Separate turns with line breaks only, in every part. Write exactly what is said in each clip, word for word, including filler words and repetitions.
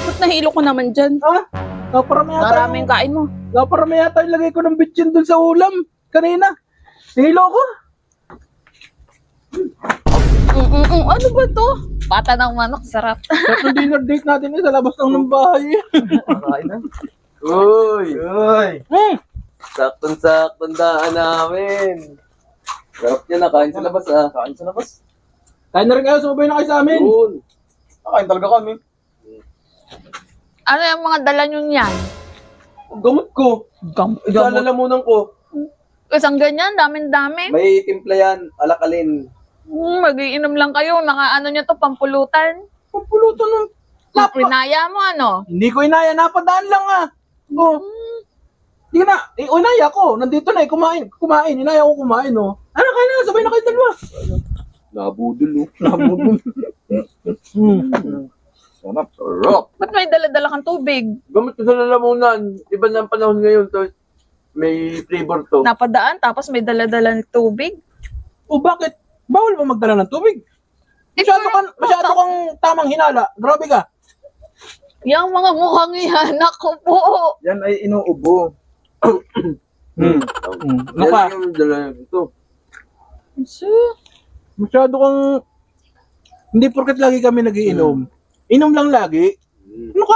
ba't nahilo ko naman dyan?
Ah, naparami yata.
Maraming kain mo.
Naparami yata yung lagay ko ng bitchin dun sa ulam. Kanina. Nahilo ko.
Mm-mm, ano ba to? Pata ng manok, sarap.
Sa dinner date natin eh, sa labas lang ng bahay.
Kain na. Uy!
Uy. Hmm.
Saktong-saktong daan namin. Sarap niya na, kain sa labas ah. Kain sa labas.
Kain na rin kayo, sumabay na kayo sa amin.
Yun. Kain talaga kami.
Ano yung mga dala nyo niyan?
Gamot ko.
Gam
Isa lalamunan ko.
Isang ganyan, daming-dami.
May timpla yan, alakalin.
Hmm, magiinom lang kayo. Nakaano nyo to, pampulutan.
Pampulutan ng... Napa...
Pinaya mo ano?
Hindi ko inaya, napadaan lang ah. Oh. Hindi na, eh, inaya ko. Nandito na eh, kumain. Kumain, inaya ko kumain oh. Ano, kain na, sabay na kayo dalawa.
Nabudol oh.
Nabudol. Hmm.
Sarap. Sarap.
Ba't may dala-dala kang tubig?
Gamit ko sa lalamunan. Iba na ang panahon ngayon to. May flavor to.
Napadaan, tapos may dala-dala ng tubig?
O bakit? Bawal ba magdala ng tubig?
Eh,
Masyado
pero-
kang, masyado kang tamang hinala. Grabe ka.
Yung mga mukhang yan, ako po.
Yan ay inuubo.
Hmm.
Hmm.
Ano pa?
Yan yung dala ito.
Masyado kang... Hindi porket lagi kami nagiinom. Inom lang lagi.
Hmm.
Ano ka?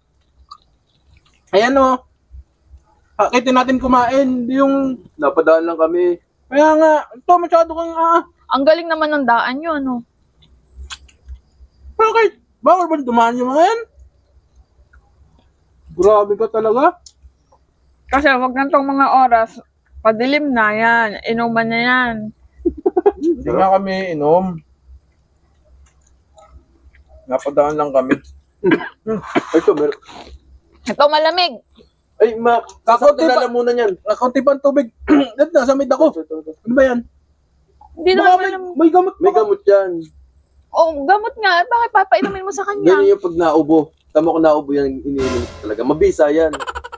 Ayan o. Pakitin natin kumain. Hindi yung...
Napadaan lang kami.
Kaya nga, ito masyado kang... Ah,
Ang galing naman ng daan nyo, ano?
bakit? Bawal ba dumaan yung mga yan? Grabe ka talaga.
Kasi wag na tong mga oras, padilim na yan, inuman na yan.
Hindi nga kami inom. Napadaan lang kami.
Ay, ito, meron.
Ito malamig.
Ay, ma,
Kakunti
kakauti
pa.
lalamunan yan.
Nakaunti pa ang tubig. Dito, nasa mid ako. Ano ba yan?
Hindi
Baka
naman
may,
malamig.
may gamot
May
baka.
gamot yan.
Oh, gamot nga. Bakit papainumin mo sa kanya?
Ganyan yung pag naubo. Tama ko naubo yan, iniinom ko talaga. Mabisa yan.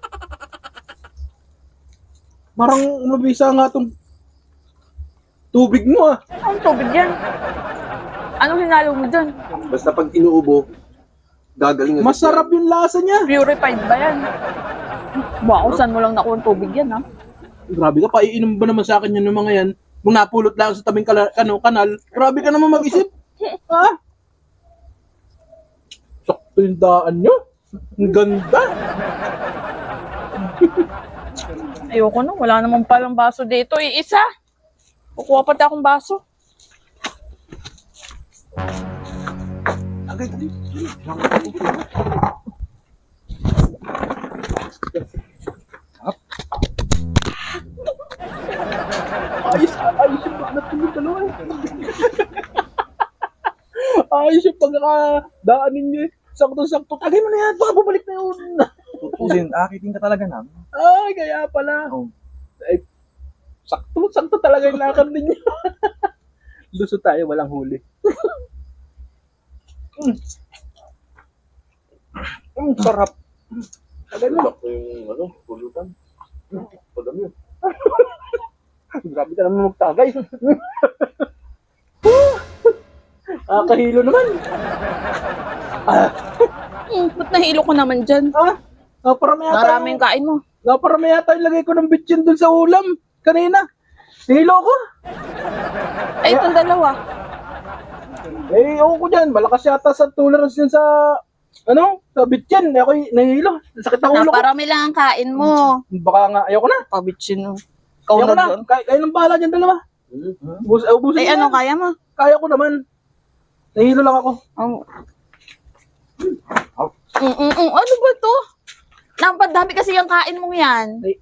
Parang mabisa nga tong tubig mo ah.
Ang tubig yan. Anong hinalo mo dyan?
Basta pag inuubo, gagaling. agad
Masarap yung lasa niya.
Purified ba yan? Wow, saan mo lang nakuha ang tubig yan, ha?
Grabe ka, paiinom ba naman sa akin yun ng mga yan? Kung napulot lang sa tabing kala, kano, kanal, grabe ka naman mag-isip. Ha? Sakto yung daan nyo. Ang ganda.
Ayoko no, wala naman palang baso dito. Iisa. Kukuha pa akong baso.
Agay, ayos, ayos yung banat yung dalawa eh. Ayos yung pagkakadaan ninyo eh. Sakto-sakto. Tagay mo na yan, baka bumalik na yun.
Tutusin, akitin ka talaga namin.
Ay, kaya pala.
Oh.
Ay, sakto, sakto talaga yung lakad ninyo. Luso tayo, walang huli. mm. Mm, sarap. Tagay mo.
Sakto yung, ano, pulutan. Padami yun.
Grabe ka naman magtagay. Ah, kahilo naman. Ah,
Hmm, ba't nahilo ko naman dyan?
ah, naparami yata.
Maraming
yung-
kain mo.
Naparami yata yung lagay ko ng bitchin dun sa ulam. Kanina. Nahilo ko.
Ay, itong dalawa.
Eh, ewan ko dyan. Malakas yata sa tolerance yun sa, ano, sa bitchin. Eh, ako'y nahilo. Sakit ang ulo ko.
Naparami lang ang kain mo.
Baka nga, ayoko na.
Pabitsin mo. Ikaw
Ayoko
na
na.
doon.
Kaya, kayo nang bahala dyan dalawa.
Hmm.
Ubus, eh, ubusin
Ay,
mo
ano
yan.
kaya mo?
Kaya ko naman. Nahilo lang ako.
Oh. Mm, mm, mm. Ano ba to? Napadami kasi yung kain mo yan.
Ay,